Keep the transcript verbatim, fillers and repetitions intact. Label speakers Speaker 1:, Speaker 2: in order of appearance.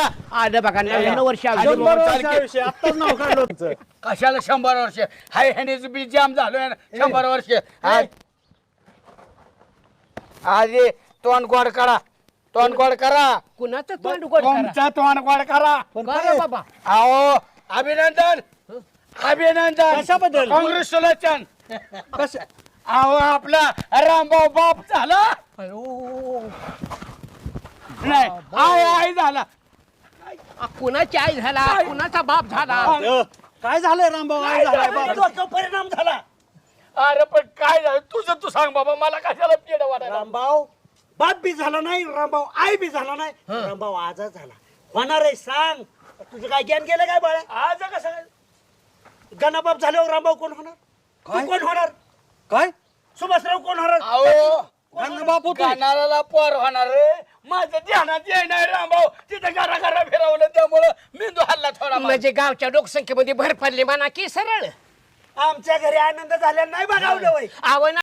Speaker 1: आलं बघा नव्याण्णव वर्ष आली.
Speaker 2: शंभर वर्षाविषयी आत्ताच नाव काढलं तुमचं.
Speaker 3: कशाला शंभर वर्ष हाय ह्यानेच बी जाम झालोय ना शंभर वर्ष आधी तोंड गोड करा तोंड गोड करा
Speaker 1: कुणाचं तोंड गोड करा?
Speaker 3: तुमचा तोंड गोड करा
Speaker 1: करा बाबा.
Speaker 3: अहो अभिनंदन अभिनंदन
Speaker 2: कशाबद्दल?
Speaker 3: काँग्रेच्युलेशन
Speaker 2: कशा
Speaker 3: अहो आपला रामभाऊ बाप झाला नाही आय आय झाला
Speaker 1: आ, कुणाची आई झाला कुणाचा बाप झाला?
Speaker 2: अ, काय झालंय रामभाऊ काय झालाय बाबा?
Speaker 4: परिणाम झाला.
Speaker 3: अरे पण काय झालं तुझं तू सांग बाबा मला कशाला पेड वाटायला
Speaker 4: रामभाऊ बाप बी झाला नाही, रामभाऊ आई बी झाला नाही, रामभाऊ आजच झाला. होणार आहे सांग. तुझं काय ज्ञान गेलं काय बाळा?
Speaker 3: आज कसं
Speaker 4: गणाबाप झाल्यावर रामभाऊ कोण होणार? तू कोण होणार?
Speaker 2: काय
Speaker 4: सुभाषराव कोण होणार?
Speaker 3: अहो
Speaker 2: गंगाबाप होतो.
Speaker 3: गाणाराला पोर होणार रे माझं ध्यानात येणार रामभाऊ तिथे घरा घरा फिरवलं त्यामुळं मेंदू हल्ला थोडा
Speaker 1: म्हणजे गावच्या लोकसंख्येमध्ये भर पडली म्हणा की सरळ
Speaker 4: आमच्या घरी आनंद झाला नाही बघावलं वय.
Speaker 1: आवड